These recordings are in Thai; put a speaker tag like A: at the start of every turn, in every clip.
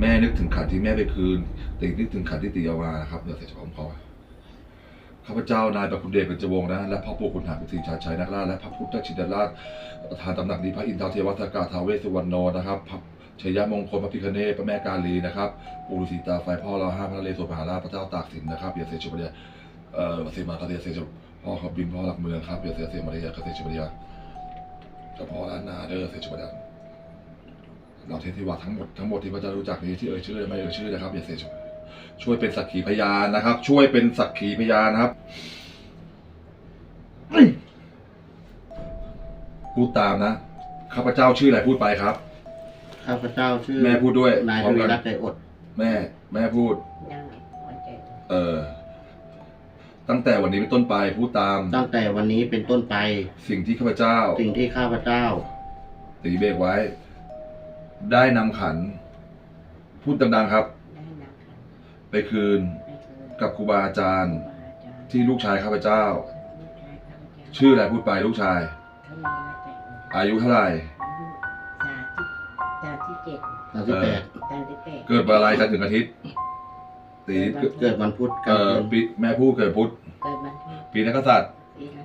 A: ม่นึกถึงขันที่แม่ไปคืนตีนึกถึงขันที่ตีเอามานะครับเดี๋ยวเสร็จผมขอข้าพเจ้านายประคุณเดชเป็นจวงนะและพระปู่ขุนหารกุฏิชาชัยนักล่าและพระพุทธชินราชประธานตำหนักนี้พระอินทร์เทวทักกาท้าวเวสสุวรรณโนนะครับพระชัยมงคลพระพิฆเนศพระแม่กาลีนะครับปู่ฤาษีตาไฟพ่อเราห้าพระนเรศวรมหาราชพระเจ้าตากสินนะครับเบียร์เซชุบเดียเสมาคาเดียเซชุพ่อขอบบินพ่อหลักเมืองครับเบียร์เซมาเดียคาเซชุบเดียเจ้าพ่อล้านนาเด้อเซชุบเดียเราเทพที่ว่าทั้งหมดที่พระเจ้ารู้จักนี้ที่ชื่อไม่ชื่อนะครับเบียร์เซชุช่วยเป็นสักขีพยานนะครับช่วยเป็นสักขีพยานนะครับพูดตามนะข้าพเจ้าชื่ออะไรพูดไปครับ
B: ข้าพเจ้าชื่อ
A: แม่พูดด้วย
B: นายทวีรัตน์ใจอด
A: แม่พูดตั้งแต่วันนี้เป็นต้นไปพูดตาม
B: ตั้งแต่วันนี้เป็นต้นไป
A: สิ่งที่ข้าพเจ้าตีเบรกไว้ได้นำขันพูดดังๆครับไปคืนกับครูบาอาจารย์ที่ลูกชายข้าพเจ้าชื่ออะไรพูดไปลูกชายอายุเท่าไหร่
B: 38
A: เกิดวันอะไรจันทร์ถึงอาทิตย์ตี
B: เกิดวันพุธ
A: ปีแม่พูดเกิดพุธปีนักษัตริย์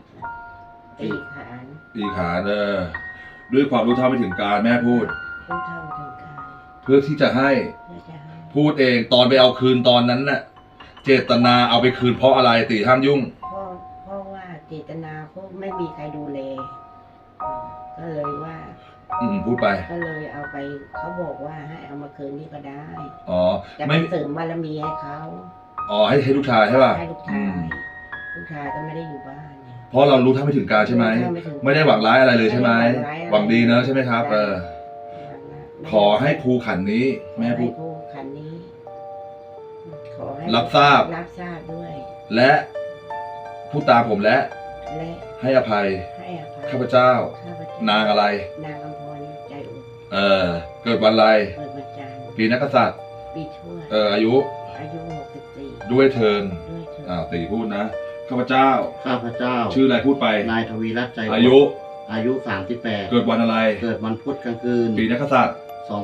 A: ปีขานด้วยความรู้เท่าไม่ถึงการแม่พูดเพื่อที่จะให้พูดเองตอนไปเอาคืนตอนนั้นน่ะเจตนาเอาไปคืนเพราะอะไรตีห้ามยุ่ง
C: เพราะว่าเจตนาเขาไม่มีใครดูแลก็เลยว่า
A: พูดไป
C: ก็เลยเอาไปเขาบอกว่าให้เอามาคืนนี่ก็ได้
A: จะ
C: ไม่เสริมบารมีให้เขา
A: ให้ลูกชายใช่ป่ะ
C: ให้ลูกชายก็ไม่ได้อยู่บ้าน
A: เพราะเรารู้เท่าไม่ถึงการใช่ไหมไม่ได้หวังร้ายอะไรเลยใช่ไหมหวังดีเนอะใช่ไหมครับขอให้ครูขันนี้แม่พูด
C: ขันนี้ขอให้
A: รับทราบ
C: ด้วย
A: และพูดตามผมและให้อภัยข้าพเจ้านางอะไร
C: นางอำพรใจอุด
A: เกิดวันอะไร
C: เกิดวันจันทร์
A: ปีนักษัตริย์
C: ปีชวด
A: อายุ
C: 64
A: ด้วยเทินตีพูดนะข้าพเจ้าชื่ออะไรพูดไป
B: นายทวีรัตน์ใจ
A: อายุ
B: 38
A: เกิดวันอะไร
B: เกิดวันพุธกลางคืน
A: ปีนักษัตริย์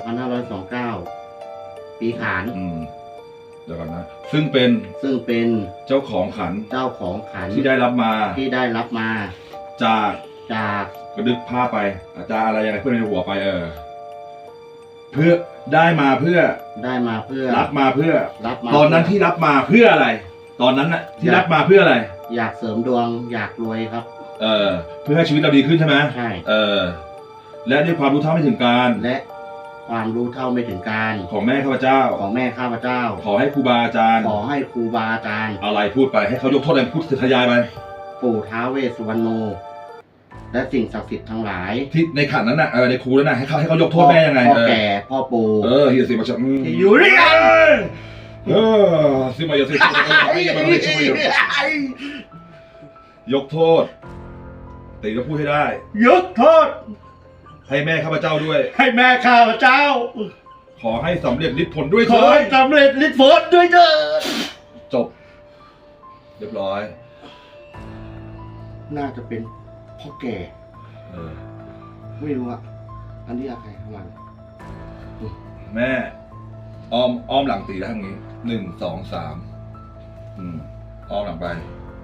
B: 2529ปีขาน
A: เดี๋ยวก่อนนะซึ่งเป็นเจ้าของขันที่ได้รับมาจากกระดึกผ้าไปอาจารย์อะไรยังไงเพื่อนในหัวไปเพื่อได้มาเพื่อรับมาเพื่อตอนนั้นที่รับมาเพื่ออะไรตอนนั้นน่ะที่รับมาเพื่ออะไร
B: อยากเสริมดวงอยากรวยครับ
A: เพื่อให้ชีวิตเราดีขึ้นใช่ไหม
B: ใช่
A: และด้วยความรู้เท่าไม่ถึงการของแม่ข้าพเจ้าขอให้ครูบาอาจารย์อะไรพูดไปให้เขายกโทษอะไรพูดทยายไป
B: ปู่ท้าวเวสสุวรรณโนและสิ่งศักดิ์สิทธิ์ทั้งหลาย
A: ที่ในขันนั้นน่ะในครูนั้นน่ะให้เขายกโทษแม่ยังไง
B: พ่อแก่พ่อปู่
A: เฮียสิมาชักอยู่ด้วยกันสิมาอย่าสิยกโทษตีก็พูดให้ได้
B: ยกโทษ
A: ให้แม่ข้าพเจ้าด้วย
B: ให้แม่ข้าพเจ้า
A: ขอให้สำเร็จฤทธิ์ผลด้วย
B: ขอให้สำเร็จฤทธิ์ผลด้วยเถิด
A: จบเรียบร้อย
B: น่าจะเป็นพ่อแก่ไม่รู้อ่ะอันนี้อะไรข้างหลัง
A: แม่อ้อมหลังตีได้ทางนี้1 2 3อ้อมหลังไป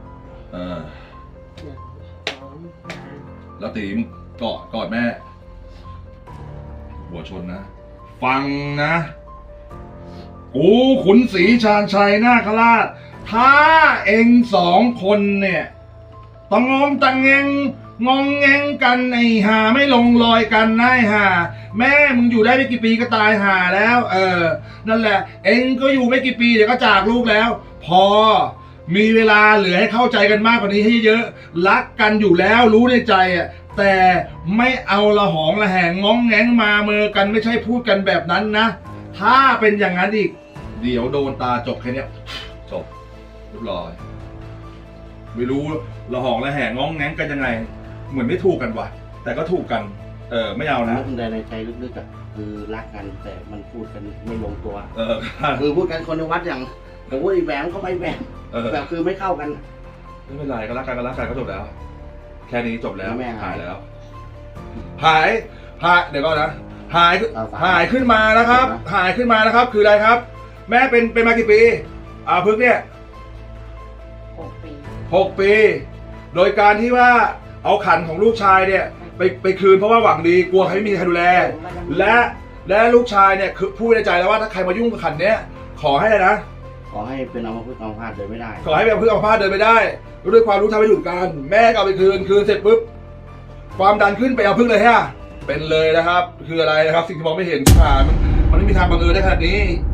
A: แล้วตีมึงกอดแม่หัวชนนะฟังนะกูขุนศรีชาญชัยนาคราชถ้าเอง2 คนเนี่ยต้องงงงกันไอ้ห่าไม่ลงรอยกันนะไอ้ห่าแม่มึงอยู่ได้ไม่กี่ปีก็ตายห่าแล้วนั่นแหละเองก็อยู่ไม่กี่ปีเดี๋ยวก็จากลูกแล้วพอมีเวลาเหลือให้เข้าใจกันมากกว่านี้ให้เยอะรักกันอยู่แล้วรู้ในใจแต่ไม่เอาละหองละแหงง้องแงงมาเมอกันไม่ใช่พูดกันแบบนั้นนะถ้าเป็นอย่างนั้นอีกเดี๋ยวโดนตาจบแค่นี้จบเรียบร้อยไม่รู้ละหองละแหงง้องแงงกันยังไงเหมือนไม่ถูกกันว่ะแต่ก็ถูกกันไม่เอานะ
B: ในใจลึกๆคือรักกันแต่มันพูดกันไม่ลงตัวคือพูดกันคนในวัดอย่างผมว่าอีแหวงก็ไม่แหวงแบบคือไม่เข้ากัน
A: ไม่เป็นไรก็รักกันก็จบแล้วแค่นี้จบแล้วหายแล้วหายเดี๋ยวก็นะหายขึ้นมานะครับ หายขึ้นมานะครับ คืออะไรครับ แม่เป็นมากี่ปีพึกเนี่ย
C: 6 ปี
A: 6 ปี โดยการที่ว่าเอาขันของลูกชายเนี่ยไปคืนเพราะว่าหวังดีกลัวใครไม่มีใครดูแล และลูกชายเนี่ยคือพูดในใจแล้วว่าถ้าใครมายุ่งกับขันเนี้ยขอให้อะไรนะ
B: ขอให้เป็นอัมพฤกษ์อัมพาตเดินไม่ได้
A: ขอให้เป็นเพื่อนอัมพาตเดินไปได้ด้วยความรู้ทำให้หยุดกันแม่ก็เอาไปคืนเสร็จปุ๊บความดันขึ้นไปเอาพึ่งเลยฮะเป็นเลยนะครับ คืออะไรนะครับ สิ่งที่มองไม่เห็นผ่านมันไม่มีทางบังเอิญได้ขนาดนี้